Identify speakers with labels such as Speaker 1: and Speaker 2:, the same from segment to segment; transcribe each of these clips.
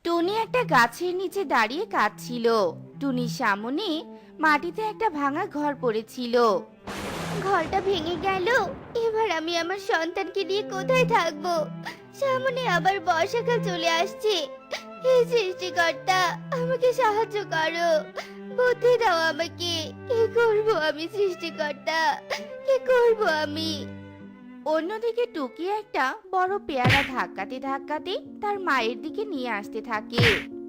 Speaker 1: টুনি একটা গাছের নিচে দাঁড়িয়ে কাঁদছিল। টুনির সামনে মাটিতে একটা ভাঙা ঘর পড়েছিল। ঘরটা ভেঙে গেল, এবার আমি আমার সন্তানকে নিয়ে কোথায় থাকবো? সামনে আবার বর্ষাকাল চলে আসছে। হে সৃষ্টিকর্তা, আমাকে সাহায্য করো, বুদ্ধি দাও আমাকে। কি করব আমি সৃষ্টিকর্তা, কি করব আমি? অন্যদিকে টুকি একটা বড় পেয়ারা ধাক্কাতে ধাক্কাতে তার মায়ের দিকে নিয়ে আসতে থাকে।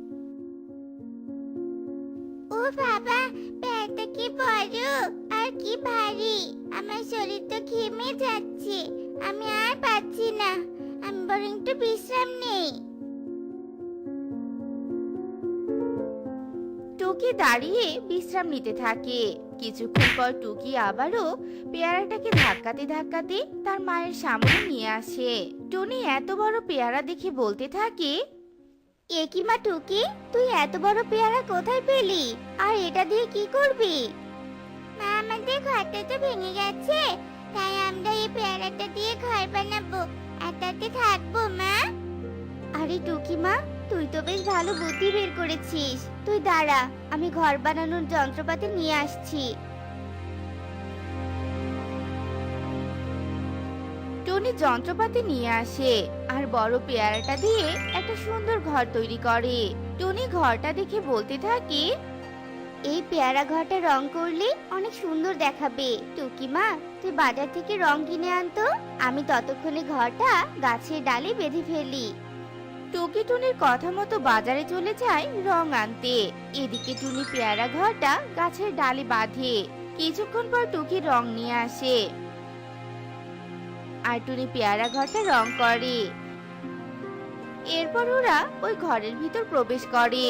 Speaker 1: ও বাবা, পেয়ারটা কি বড় আর কি ভারী! আমার শরীর তো ঘেমে যাচ্ছে, আমি আর পাচ্ছি না। আমি বরং একটু বিশ্রাম নেই। টুকি দাঁড়িয়ে বিশ্রাম নিতে থাকে। কিছুক্ষণ পর টুকি আবারও পেয়ারাটাকে ধাক্কাতে ধাক্কাতে তার মায়ের সামনে নিয়ে আসে। টুনি এত বড় পেয়ারা দেখে বলতে থাকে, এ কি মা টুকি, তুই এত বড় পেয়ারা কোথায় পেলি? আর এটা দিয়ে কি করবি? মা, আমাদের ঘরটা তো ভেঙে গেছে, তাই আমরা এই পেয়ারাটা দিয়ে ঘর বানাবো আর তাতে থাকবো মা। আরে টুকি মা, তুই তো বেশ ভালো বুদ্ধি বের করেছিস। তুই দাঁড়া, আমি ঘর বানানোর যন্ত্রপাতি নিয়ে আসছি। টনি যন্ত্রপাতি নিয়ে আসে আর বড় পেয়ারাটা দিয়ে একটা সুন্দর ঘর তৈরি করে। টনি ঘরটা দেখে বলতে থাকে, এই পেয়ারা ঘরটা রং করলে অনেক সুন্দর দেখাবে। টুকি মা, তুই বাজার থেকে রং কিনে আনতো, আমি ততক্ষণে ঘরটা গাছের ডালে বেঁধে ফেলি। টুকি টুনির কথা মতো বাজারে চলে যায় রং আনতে। এদিকে টুনি পেয়ারা ঘরটা গাছের ডালে বাঁধে। কিছুক্ষণ পর টুকি রং নিয়ে আসে আর টুনি পেয়ারা ঘরটা রং করে। এরপর ওরা ওই ঘরের ভিতর প্রবেশ করে।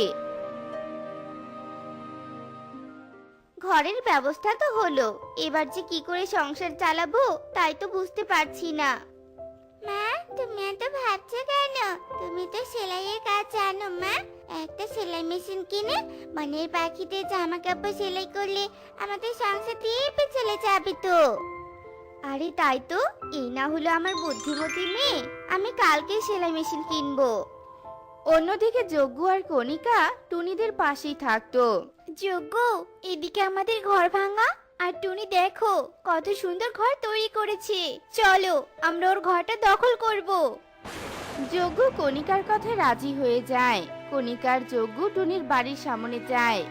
Speaker 1: ঘরের ব্যবস্থা তো হলো, এবার যে কি করে সংসার চালাবো তাই তো বুঝতে পারছি না। মা, তুমি এত ভাবছো কেন? তুমি তো সেলাইয়ের কাজ জানো মা। একটা সেলাই মেশিন কিনে বনের পাখিদের জামা কাপড় সেলাই করলে আমাদের সংসার দিয়ে চলে যাবে তো। আরে তাই তো, এই না হলো আমার বুদ্ধিমতী মেয়ে। আমি কালকে সেলাই মেশিন কিনবো। অন্যদিকে যজ্ঞ আর কণিকা টুনিদের পাশেই থাকতো। যজ্ঞ, এদিকে আমাদের ঘর ভাঙা, আর টুনি দেখো কত সুন্দর ঘর তৈরি করেছে। চলো আমরা ওর ঘরটা দখল করব। যজ্ঞ কণিকার কথায় রাজি হয়ে যায়। কণিকার যজ্ঞ টুনির বাড়ির সামনে যায়।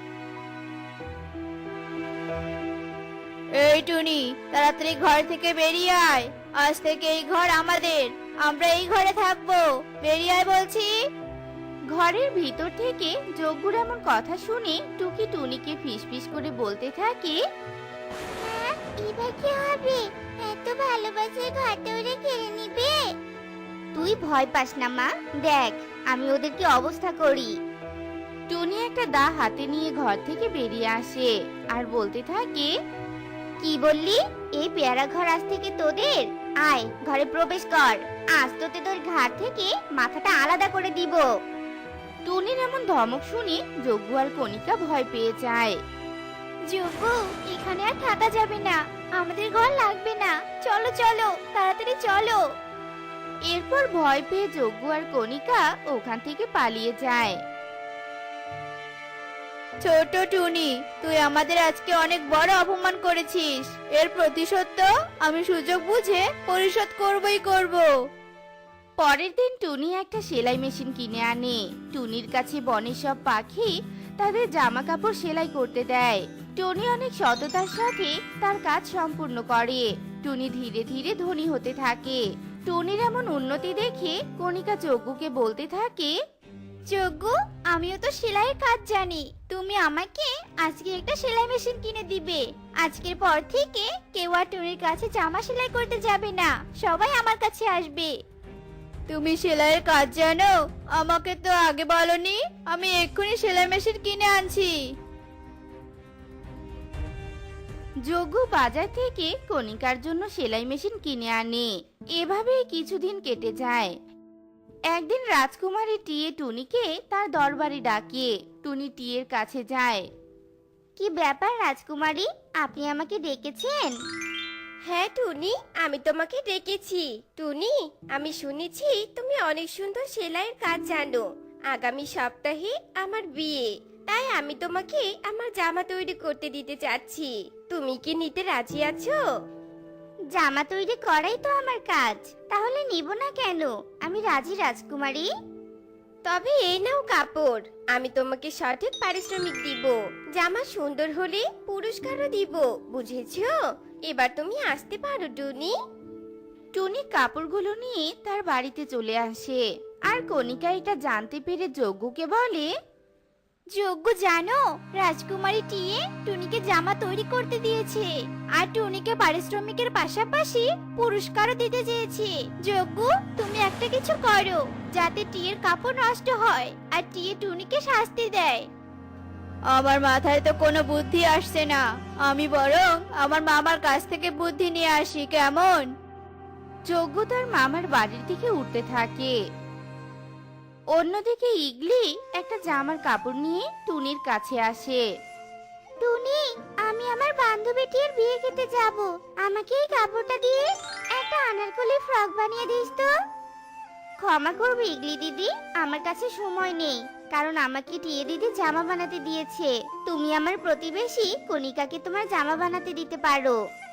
Speaker 2: এই টুনি, তাড়াতাড়ি ঘর থেকে বেরিয়ে আয়। আজ থেকে এই ঘর আমাদের, আমরা এই ঘরে থাকবো। বেরিয়ে আয় বলছি।
Speaker 1: ঘরের ভিতর থেকে যজ্ঞর এমন কথা শুনে টুকি টুনিকে ফিসফিস করে বলতে থাকে, এবার কি হবে? এত ভালোবাসার ঘরটা ওরা কেড়ে নিবে। তুই ভয় পাস না মা, দেখ আমি ওদের কি অবস্থা করি। টুনি একটা দা হাতে নিয়ে ঘর থেকে বেরিয়ে আসে আর বলতে থাকে, কি বললি? এই পেয়ারা ঘর আজ থেকে তোদের? আয় ঘরে প্রবেশ কর, আজ তোতে তোর ঘাট থেকে মাথাটা আলাদা করে দিব। টুনির এমন ধমক শুনে যজ্ঞ আর কণিকা ভয় পেয়ে যায়। যজ্ঞ, এখানে আর থাকা যাবে না, আমাদের ঘর লাগবে না, চলো চলো তাড়াতাড়ি চলো। এরপর ভয় পেয়ে যজ্ঞ আর কণিকা ওখান থেকে পালিয়ে যায়।
Speaker 2: ছোট টুনি, তুই আমাদের আজকে অনেক বড় অপমান করেছিস। এর প্রতিশোধ তো আমি সুযোগ বুঝে পরিশোধ করবই করব।
Speaker 1: পরের দিন টুনি একটা সেলাই মেশিন কিনে আনে। টুনির কাছে বনের সব পাখি তাদের জামা কাপড় সেলাই করতে দেয়। টুনি অনেক সততার সাথে তার কাজ সম্পূর্ণ করে। টুনি ধীরে ধীরে ধনী হতে থাকে। টুনির এমন উন্নতি দেখে কণিকা যজ্ঞকে বলতে থাকে, যজ্ঞ, আমিও তো সেলাইয়ের কাজ জানি, তুমি আমাকে আজকে একটা সেলাই মেশিন কিনে দিবে। আজকের পর থেকে কেউ আর টুনির কাছে জামা সেলাই করতে যাবে না, সবাই আমার কাছে আসবে।
Speaker 2: তুমি সেলাইয়ের কাজ জানো? আমাকে তো আগে বলনি, আমি এক্ষুনি সেলাই মেশিন কিনে আনছি।
Speaker 1: যজ্ঞ বাজার থেকে কণিকার জন্য সেলাই মেশিন কিনে আনে। এভাবেই কিছুদিন কেটে যায়। একদিন রাজকুমারী টিয়ে টুনিকে তার দরবারে ডাকে। টুনি টিয়ের কাছে যায়। কি ব্যাপার রাজকুমারী, আপনি আমাকে ডেকেছেন?
Speaker 3: হ্যাঁ টুনি, আমি তোমাকে ডেকেছি। টুনি, আমি শুনেছি তুমি অনেক সুন্দর সেলাইয়ের কাজ জানো। আগামী সপ্তাহে আমার বিয়ে, তাই আমি তোমাকে আমার জামা তৈরি করতে দিতে চাচ্ছি। তুমি কি নিতে রাজি আছো?
Speaker 1: জামা তৈরি করাই তো আমার কাজ, তাহলে নিব না কেন? আমি রাজি রাজকুমারী।
Speaker 3: তবে এই নাও কাপড়, আমি তোমাকে সঠিক পারিশ্রমিক দিব। জামা সুন্দর হলে পুরস্কারও দিব, বুঝেছো? এবার তুমি আসতে পারো টুনি।
Speaker 1: টুনি কাপড়গুলো নিয়ে তার বাড়িতে চলে আসে, আর কণিকা এটা জানতে পেরে যজ্ঞকে বলে, যজ্ঞ জানো, রাজকুমারী টিয়ে টুনিকে জামা তৈরি করতে দিয়েছে, আর টুনিকে পারিশ্রমিকের পাশাপাশি পুরস্কারও দিতে চেয়েছে। যজ্ঞ, তুমি একটা কিছু করো যাতে টিয়ের কাপড় নষ্ট হয় আর টিয়ে টুনিকে শাস্তি দেয়।
Speaker 2: আমার মাথায় তো কোনো বুদ্ধি আসছে না, আমি বরং আমার মামার কাছ থেকে বুদ্ধি নিয়ে আসি, কেমন?
Speaker 1: যজ্ঞ তার মামার বাড়ির দিকে উঠতে থাকে। অন্যদিকে ইগলি একটা জামার কাপড় নিয়ে টুনির কাছে আসে। টুনি, আমি আমার বান্ধবীটির বিয়ে খেতে যাব, আমাকে এই কাপড়টা দিয়ে একটা আনারকলি ফ্রক বানিয়ে দিস তো। ক্ষমা করবে ইগলি দিদি, আমার কাছে সময় নেই, কারণ আমাকে টিয়ে দিদি জামা বানাতে দিয়েছে। তুমি আমার প্রতিবেশী কণিকাকে তোমার জামা বানাতে দিতে পারো।